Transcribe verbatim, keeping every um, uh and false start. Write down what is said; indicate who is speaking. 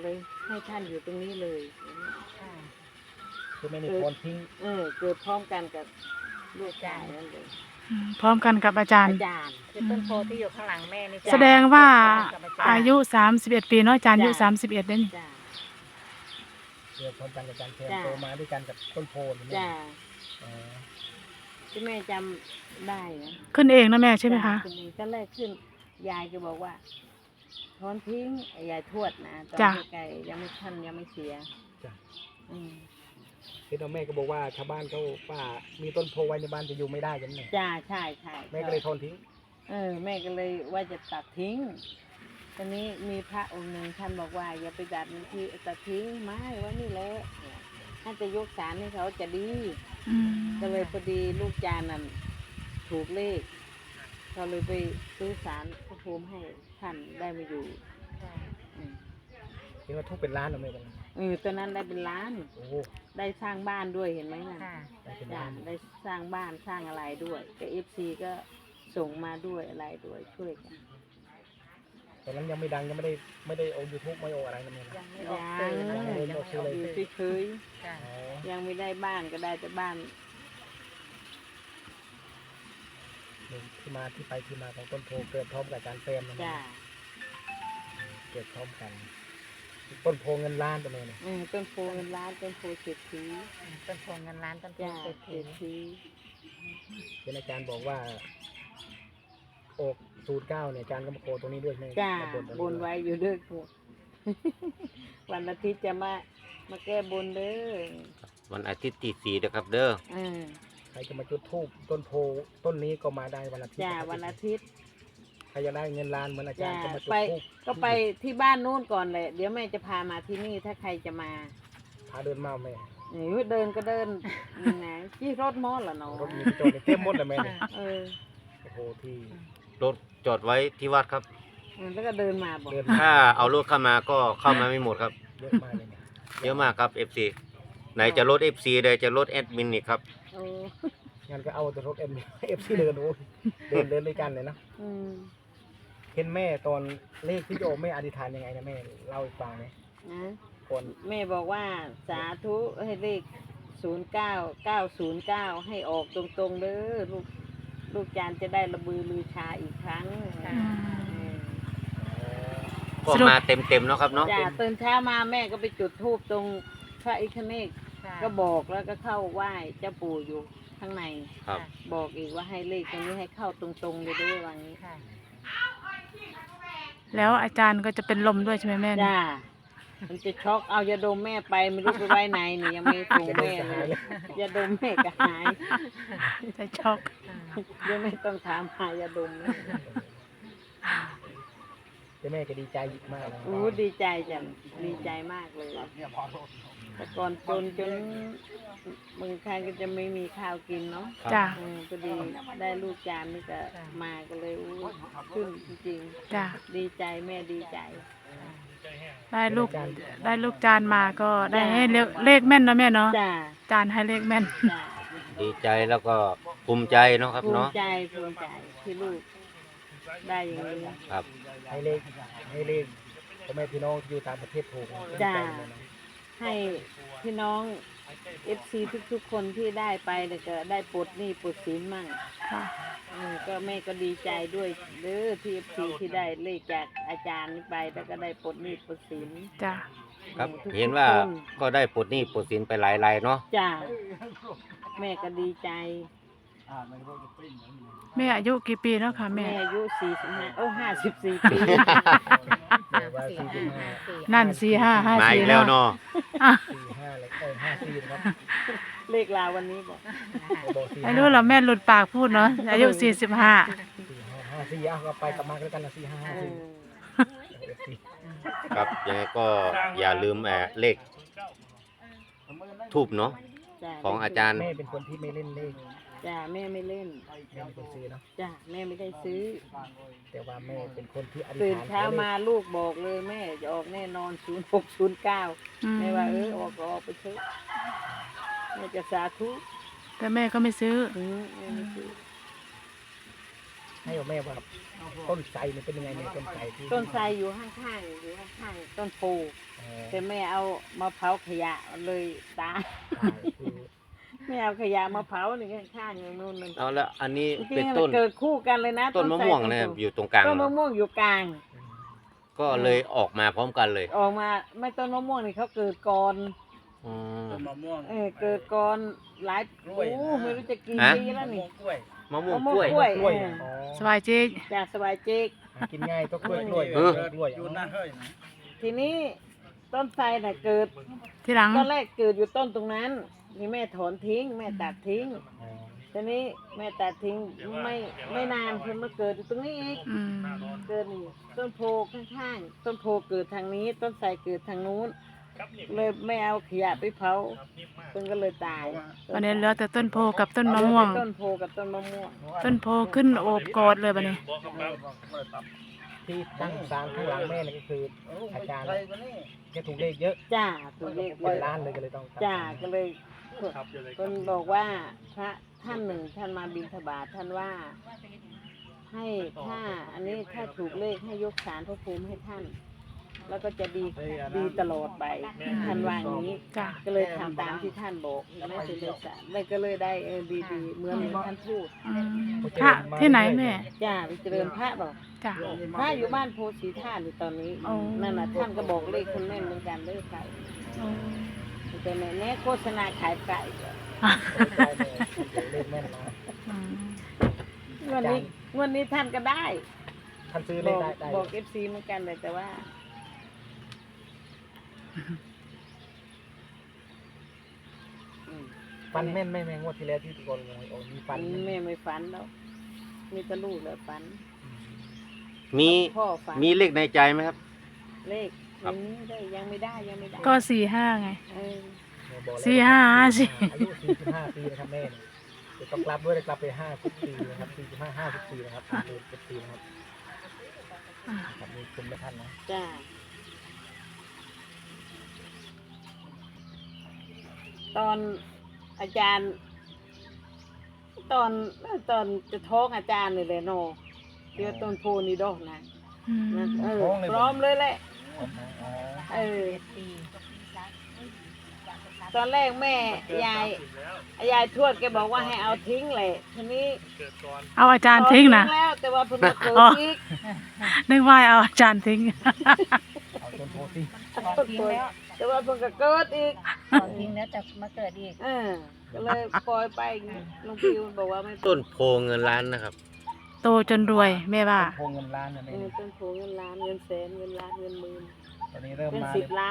Speaker 1: เลยให้ท่านอยู่ตรงนี้เลย
Speaker 2: คือไม่ได้โอนทิ้ง
Speaker 1: เออเกิดพร้อมกันกับลูกชายนั่นเลย
Speaker 3: พร้อมกันกับอาจารย์
Speaker 1: อาจารย์
Speaker 4: คือต้นโพที่อยู่ข้างหลังแม่นี่
Speaker 3: แสดงว่าอายุสามสิบเอ็ดปีเนาะอาจารย์อายุสามสิบเอ็ดเด้นี่
Speaker 1: จ้า
Speaker 2: เกิดพร้อมกันกับการเติบโตมาด้วยกันกับต้นโพนี่
Speaker 1: จ้า
Speaker 2: อ๋อ
Speaker 1: ที่แม่จำได้นะ
Speaker 3: ขึ้นเองนะแม่ใช่ไหมคะ
Speaker 1: ขึ้นก็แรกขึ้นยายก็บอกว่าถอนทิ้งยายทวดนะตอน
Speaker 3: จ้ะ
Speaker 1: ไกลๆยังไม่ท่านยังไม่เสีย
Speaker 2: จ้ะ
Speaker 1: อืม
Speaker 2: คือน้องแม่ก็บอกว่าชาวบ้านเขาว่ามีต้นโพไว้ในบ้านจะอยู่ไม่ได้ยังไง
Speaker 1: จ้าใช่ใช่
Speaker 2: แม่ก็เลยทนทิ้ง
Speaker 1: เออแม่ก็เลยว่าจะตัดทิ้งตอนนี้มีพระองค์หนึ่งท่านบอกว่าอย่าไปตัดมันที่ตัดทิ้งไม้ไว้นี่แหละถ้าจะยกศาลให้เขาจะดี
Speaker 3: อืม
Speaker 1: ก็เลยพอดีลูกจานนั่นถูกเลขเขาเลยไปซื้อศาลพระภูมิให้ท่านได้มาอยู่อืม
Speaker 2: เห็นว่าทุกเป็นล้านหรือไม่เป็นล้าน
Speaker 1: เออตอนนั้นได้เป็นล้าน
Speaker 2: โอ้โห
Speaker 1: ได้สร้างบ้านด้วยเห็นไหมนะ
Speaker 4: ค่ะ
Speaker 2: ได้เป็น
Speaker 1: จ้ะ
Speaker 2: ล้าน
Speaker 1: ได้สร้างบ้านสร้างอะไรด้วยก็เอฟซีก็ส่งมาด้วยอะไรด้วยช่วยกัน
Speaker 2: ตอนนั้นยังไม่ดังยังไม่ได้ไม่ได้โอยูทูบไม่โออะไรนั่นเอง
Speaker 4: ยัง
Speaker 2: นะ
Speaker 4: ไม่ออก
Speaker 1: ยั
Speaker 4: สื่
Speaker 1: ง
Speaker 4: อ
Speaker 2: ยังไม่
Speaker 4: เลย
Speaker 2: ได้
Speaker 4: ยัง
Speaker 2: ออก
Speaker 4: ไม่
Speaker 2: สื่
Speaker 4: อ
Speaker 2: อ
Speaker 4: อก
Speaker 2: เลย
Speaker 1: อยู่เฉย
Speaker 4: จ้ะ
Speaker 2: อ๋อ
Speaker 1: ๆยังไม่ได้บ้านก็ได้แต่บ้าน
Speaker 2: นี่ที่มาที่ไปที่มาของต้นโพเกิดพร้อมกับอาจารย์เฟรมนะ
Speaker 1: จ้า
Speaker 2: เกิดพร้อมกัน ต้นโพเงินล้านตัวนี้เนี่ย
Speaker 1: เออต้นโพเงินล้านต้นโพเศรษฐี
Speaker 4: ต้นโพเงินล้านต้นโพ
Speaker 1: จ้า
Speaker 4: เศรษ
Speaker 1: เศ
Speaker 4: ฐี
Speaker 1: รษฐี
Speaker 2: เป็นอาจารย์บอกว่าอกศูนย์เก้าเนี่ยอาจารย์ก็มาโคตรงนี้ด้วยใช่ไหม
Speaker 1: จ้า
Speaker 2: มาตรง
Speaker 1: บนไว้อยู่เด้อครู วันอาทิตย์จะมามาแก้บนเด้อ
Speaker 5: วันอาทิตย์ที่สี่นะครับเด้อ
Speaker 1: เออ
Speaker 2: ใครจะมาจุดธูปต้นโพต้นนี้ก็มาได้วันอาทิตย์
Speaker 1: จ้าวันอาทิตย์
Speaker 2: ใครจะได้เงินล้านเหมือนอาจาร
Speaker 1: จ้า
Speaker 2: ย์ก็มาจุด
Speaker 1: ไป
Speaker 2: ธูป
Speaker 1: ก็ไปที่บ้านนู้นก่อนเลยเดี๋ยวแม่จะพามาที่นี่ถ้าใครจะมา
Speaker 2: พาเดินมาแม่
Speaker 1: เออเดินก็เดินนะจี้รถมอสเหรอเนาะ
Speaker 2: รถมีที่จอดเนี่ยเต็มหมดเลยแม่เนี่ย
Speaker 1: เออ
Speaker 2: โอ้โหที่
Speaker 5: รถจอดไว้ที่วัดครับ
Speaker 1: เออแล้วก็เดินมาบอก
Speaker 2: เดิน
Speaker 5: ถ้าเอารถเข้ามาก็เข้ามาไม่หมดครับ
Speaker 2: เยอะมากเลยเนี่ย
Speaker 5: เยอะมากครับ เอฟ ซี ไหนจะรถ เอฟ ซี ใดจะรถแอดมินอีกครับ
Speaker 1: เออ
Speaker 2: งั้นก็เอาแต่รถเอ็มเอฟซีเดินโอ้ยเดินเดินด้วยกันเลยนะ
Speaker 1: อืม
Speaker 2: เห็นแม่ตอนเลขที่โยมแม่อธิษฐานยังไงนะแม่เล่าให้ฟังไหม
Speaker 1: นะ
Speaker 2: ก่อน
Speaker 1: แม่บอกว่าสาธุให้เลขศูนย์เก้าเก้าศูนย์เก้าให้ออกตรงๆเด้อลูกลูกจานจะได้ระบือลือชาอีกครั้ง
Speaker 3: อืม
Speaker 1: เออ
Speaker 5: ก็
Speaker 3: สรุป
Speaker 5: มาเต็มๆเนาะครับเนาะ
Speaker 1: จ้าตื่นเช้ามาแม่ก็ไปจุดธูปตรงพระอิคเนก
Speaker 4: ค่ะ
Speaker 1: ก็บอกแล้วก็เข้าไหว้เจ้าปู่อยู่ข้างใน
Speaker 5: ครับ
Speaker 1: บอกอีกว่าให้เลขตรงนี้ให้เข้าตรงๆเลยด้วยว่างี้
Speaker 4: ค่ะ
Speaker 3: แล้วอาจารย์ก็จะเป็นลมด้วยใช่ไหมแม่
Speaker 1: จ้ามันจะช็อกเอายาดมแม่ไปไม่รู้ไปไว้ไหนนี่ยังไม่ส่ง
Speaker 2: จะได้
Speaker 1: แม่
Speaker 2: จะ
Speaker 1: เล
Speaker 2: หาย
Speaker 1: ย
Speaker 2: เลย
Speaker 1: ยาดมแม่ก็หาย
Speaker 3: จะช็อก
Speaker 1: เดี๋ยวไม่ต้องถามหายาดมเลย
Speaker 2: เจ้าแม่ก็ดีใจมากเลย
Speaker 1: อู้ดีใจจังดีใจมากเลยแต่ก่อนจนจนบางครั้งก็จะไม่มีข้าวกินเนาะ
Speaker 3: จ้า
Speaker 1: เออพอดีได้ลูกจานนี่ก็มาก็เลยอู้ขึ้นจริง
Speaker 3: จ้า
Speaker 1: ๆดีใจแม่ดีใจ
Speaker 3: ได้ลูกได้ลูกจานมาก็ได้ให้เลขเลขแม่นเนาะแม่เนาะ
Speaker 1: จ้า
Speaker 3: จานให้เลขแม่น
Speaker 1: จ้า
Speaker 5: ดีใจแล้วก็ภูมิใจเนาะครับ
Speaker 1: ภูมิ
Speaker 5: เนาะ
Speaker 1: ใจภูมิใจที่ลูกได้อย่างนี้
Speaker 5: ครับ
Speaker 2: ให้เลขให้เลขพ่อแม่พี่น้องที่อยู่ต่างประเทศถูกนะ
Speaker 1: จ้า
Speaker 2: ดีใจเลยนะ
Speaker 1: ให้พี่น้องเอฟซีทุกๆคนที่ได้ไปเนี่ยก็ได้ปลดหนี้ปลดสินมั่ง
Speaker 3: ค่ะ
Speaker 1: เออก็แม่ก็ดีใจด้วยเด้อที่เอฟซีที่ได้เลขจากอาจารย์นี่ไปแล้วก็ได้ปลดหนี้ปลดสิน
Speaker 3: จ้า
Speaker 5: ครับ
Speaker 1: ทุกๆ
Speaker 5: เห็นว่า
Speaker 1: คน
Speaker 5: ก็ได้ปลดหนี้ปลดสินไปหลายรายเนาะ
Speaker 1: จ้าแม่ก็ดีใจ
Speaker 3: แม่อายุกี่ปีแล้วค่ะ
Speaker 1: แม่
Speaker 3: แม่
Speaker 1: อายุสี่สิบห้าโอ้ห้าสิบสี่ปี
Speaker 2: แม่ว่าสี่สิบห้า
Speaker 3: นั่นสี่ห้าห้า
Speaker 5: มา
Speaker 3: สี่
Speaker 5: อีกแล้วเนาะ
Speaker 3: อ่ะ
Speaker 2: สี่ห้าเลยเอ้ยห้าสี่นะครับ
Speaker 1: เลขลาวันนี้บอก
Speaker 2: บอกสี่
Speaker 3: ไม่
Speaker 2: ห้า
Speaker 3: รู้เหรอแม่หลุดปากพูดเนาะอายุสี่สิบห้า
Speaker 2: สี่ห้าห้าสี่เอาก็ไปกลับมาแล้วกันนะสี่ห้า
Speaker 1: เอ
Speaker 2: ห้า
Speaker 1: อ
Speaker 2: สี่
Speaker 5: ครับยังไงก็อย่าลืมแอบเลขทูบเนาะ
Speaker 1: จ้ะ
Speaker 5: ของอาจารย์
Speaker 2: แม่เป็นคนที่ไม่เล่นเลข
Speaker 1: จ้าแม่ไม่เล่น
Speaker 2: แม่เป็นคนซื้อเนาะ
Speaker 1: จ้าแม่ไม่ได้ซื้อ
Speaker 2: แต่ว่าแม่เป็นคนที่อธิษ
Speaker 1: ตื่น
Speaker 2: ฐาน
Speaker 1: เช้ามาลูกบอกเลยแม่จะออกแน่นอนศูนย์หกศูนย์เก้า
Speaker 3: อืม
Speaker 1: แม่ว่าเออออกก็ออกไปเถอะแม่จะสาธุ
Speaker 3: แต่แม่ก็ไม่ซื้อ
Speaker 1: อืมแม่ไม่ซื้อ
Speaker 2: ให้กับแม่ว่าต้นไทรเนี่ยเป็นยังไงเนี่ยต้นไทรที่
Speaker 1: ต้นไทรอยู่ข้างๆอยู่ข้างๆต้นโพ
Speaker 2: อ๋อ
Speaker 1: แต่แม่เอามาเผาขยะเลยตาย
Speaker 2: ตายคือ
Speaker 1: แม่เอาขยะมาเผานี่ข้างๆอย่างนู้นนั่น
Speaker 5: เอาแล้วอันนี้
Speaker 1: จริ
Speaker 5: เป็น
Speaker 1: งๆ
Speaker 5: ต้
Speaker 1: มัน นเกิดคู่กันเลยนะ
Speaker 5: ต้นมะม่วงนะครับอยู่ตรงกลาง
Speaker 1: ต้น
Speaker 5: เหร
Speaker 1: มะ
Speaker 5: อ
Speaker 1: ม่วงอยู่กลาง
Speaker 5: ก็เลยออกมาพร้อมกันเลย
Speaker 1: ออกมาไม่ต้นมะม่วงนี่เขาเกิดก่อน
Speaker 5: อ๋อ
Speaker 6: มะม่วง
Speaker 1: เออเกิดก่อนหลาย
Speaker 6: กล้
Speaker 1: โอ้
Speaker 6: วยนะ
Speaker 1: ไม่รู้จะกี่
Speaker 5: ฮะ
Speaker 1: ปีแล้วนี่
Speaker 6: กล้วย
Speaker 5: มะม่วง
Speaker 1: มะม่
Speaker 5: ก
Speaker 1: วง
Speaker 5: ล้วย
Speaker 1: กล้วย
Speaker 2: กล้วย
Speaker 1: เออ
Speaker 2: อ๋อ
Speaker 3: สบายเจ๊ก
Speaker 1: จากสบายเจ๊ก
Speaker 2: หากินง่ายก็กล้วยกล้วย
Speaker 5: เออ
Speaker 2: กล้วย
Speaker 6: อยู่หน้าเฮ้ยนะ
Speaker 1: ทีนี้ต้นไทรน่ะเกิด
Speaker 3: ที่หลัง
Speaker 1: ตอนแรกเกิดอยู่ต้นตรงนั้นนี่แม่ถอนทิ้ง แม่ตัดทิ้ง
Speaker 2: อ๋อ
Speaker 1: ทีนี้แม่ตัดทิ้งไม่ไม่นานเพิ่นมาเกิดอยู่ตรงนี้อีก
Speaker 3: อืม
Speaker 1: เกิดนี่ต้นโพข้างๆต้นโพเกิดทางนี้ ต้นไทรเกิดทางนู้น เลยไม่เอาขยะไปเผาเพิ่นก็เลยตาย
Speaker 3: วันนี้เหลือแต่ต้นโพกับต้นมะม่วง
Speaker 1: ต้นโพกับต้นมะม่วง
Speaker 3: ต้นโพขึ้นโอบกอดเลยบัดนี้
Speaker 2: ที่ตั้งศาลข้างหลังแม่เนี่ยก็คืออาจารย์แกถูกเลขเยอะ
Speaker 1: จ้าถูกเลขเย
Speaker 2: เป็น
Speaker 1: อะ
Speaker 2: ล้านเลยก็เลยต้องตั้ง
Speaker 1: จ้าก็เลยเพิ่นบอกว่าพระท่านหนึ่งท่านมาบิณฑบาตท่านว่า ให้ถ้าอันนี้ถ้าถูกเลขให้ยกศาลพระภูมิให้ท่าน แล้วก็จะดีดีตลอดไปท่านว่าอย่างนี้
Speaker 3: จ้ะ
Speaker 1: ก็เลยทำตามที่ท่านบอกแม่ถึงเลยสารเลยก็เลยได้เออดีๆเหมือนท่านพูด
Speaker 3: อืมพระที่ไหนแม่
Speaker 1: จ้าไปเจริญพระบอก
Speaker 3: จ้ะ
Speaker 1: พระอยู่บ้านโพสีธาตุอยู่ตอนนี้
Speaker 3: อ๋อ
Speaker 1: นั่นน่ะท่านก็บอกเลขคนแม่นเหมือนกันเลขไก่
Speaker 3: อ๋อ
Speaker 1: แต่แม่แน่โฆษณาขายไก่
Speaker 2: เลขแม่นนะ
Speaker 3: อืม
Speaker 1: งวันนี้งวันนี้ท่านก็ได้
Speaker 2: ท่านซื้อบ เล
Speaker 1: อ
Speaker 2: ข
Speaker 1: ก
Speaker 2: ได้ได้
Speaker 1: บอกเอฟซีเหมือนกันเลยแต่ว่า อืม
Speaker 2: ฟันแม่นแม่แม่งวดที่แล้วที่ตะโกนเลยโอ้มีฟัน
Speaker 1: แม่ไม่ฝันแล้วมีแตะลูกแล้วฝัน
Speaker 5: มี
Speaker 1: พ่อฝัน
Speaker 5: มีเลขในใจไหมครับ
Speaker 1: เลข
Speaker 5: ครับ
Speaker 1: ยังไม่ได้ยังไม่ได้ยังไม่ได้
Speaker 3: ก็สี่ห้าไง
Speaker 1: เออ
Speaker 2: บอกแล้ว
Speaker 3: สี่ห้าห้าสี่
Speaker 2: อายุสี่สิบห้าปีนะครับแม่เนี่ยเดี๋ยวต้องกลับด้วยนะกลับไปห้าสิบปีนะครับสี่สิบห้าห้าสิบปีนะครับเดือนสิบปีนะครับครับมีคุณแม่ท่านนะ
Speaker 1: จ้าตอนอาจารย์ ตอนตอนจะท้องอาจารย์เลยเลยโนที่ว่าต้นโพนี่ดอกนะ
Speaker 3: อืม
Speaker 1: นะเออพร้อมเลยแหละ
Speaker 2: อ๋อ
Speaker 1: เออ ตอนแรกแม่ยายยายทวดแกบอกว่าให้เอาทิ้งเลยทีนี้
Speaker 3: เอาอาจารย์ทิ้งนะ
Speaker 1: เอาแล้วแต่ว่าเพิ่นมาเกิด
Speaker 3: อ๋อ
Speaker 1: อีก
Speaker 3: นึกว่าเอาอาจารย์ทิ้ง
Speaker 2: เอาต้นโพสิ
Speaker 4: ถอนทิ้งแล้ว
Speaker 1: แต่ว่าเพิ่นก็เกิดอีก
Speaker 4: ถอนทิ้งแล้วจะมาเกิดอีก
Speaker 1: เออก็เลยปล่อยไปหลวงพี่บอกว่าไม่
Speaker 5: ต้นโพเงินล้านนะครับ
Speaker 3: โตจนรวยแม่ว่า
Speaker 2: โพเงินล้านนะ
Speaker 1: เอ
Speaker 2: แม่
Speaker 1: อต้นโพเงินล้านเงินแสนเงินล้านเงินหมื่น
Speaker 2: ตอนนี้เริ่ม
Speaker 1: เป็น
Speaker 2: มา
Speaker 1: สิ
Speaker 2: เล
Speaker 1: บ
Speaker 2: ย
Speaker 1: ล้าน